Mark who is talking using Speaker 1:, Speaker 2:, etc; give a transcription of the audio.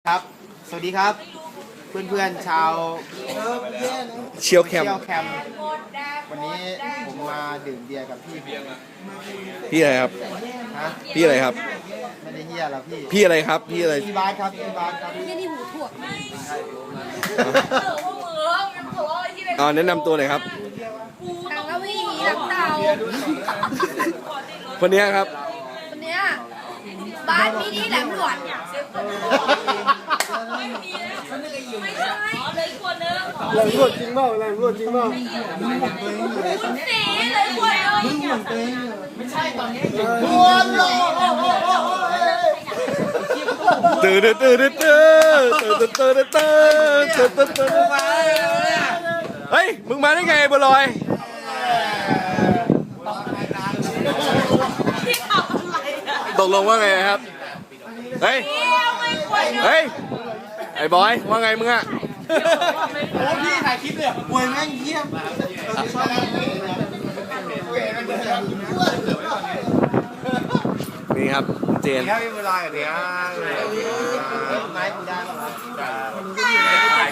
Speaker 1: ครับ สวัสดีครับ เพื่อนๆชาว
Speaker 2: เชียวแคม
Speaker 1: เที่ยวแคมป์วันนี้ผมมาดื่มเบียร์กับพี่
Speaker 2: พี่อะไรครับ
Speaker 1: ฮะ
Speaker 2: พี่อะไรครับ
Speaker 1: ไม่ได้เฮียหรอกพี่
Speaker 2: พี่อะไรครับ พี่อะไร
Speaker 1: พี่บาสครับพี่บาสครับ
Speaker 3: ที่นี่หูถั่ว
Speaker 2: อ๋อแนะนำตัวหน่อยครับ
Speaker 3: ทางกวีหลังเตา
Speaker 2: คนนี้ครับ
Speaker 3: คนเนี้ยบ้านมีนี่แหลมหลวด ไม่ใช่เลยคนนึง
Speaker 1: แรงรวดจริงเปล่าแรงรวดจริงเปล่า
Speaker 3: คุณสีเลยคนนึง
Speaker 2: ตื่นตื่นตื่นตื่นตื่นตื่นตื่นตื่นตื่นตื่นเฮ้ย มึงมาได้ไงบัวลอย
Speaker 3: ที่ทำอะไรอ่ะ
Speaker 2: ตกลงว่าไงครับ เฮ้ย เฮ้ย ไอ้บอย ว่าไงมึงอะ
Speaker 1: โอ้พี่ถ่ายคลิปเลยมวยแม่งเยี่ยม
Speaker 2: นี่ครับ เจน
Speaker 1: ครับพี่เวลาอย่างเนี้ยไม้กูได้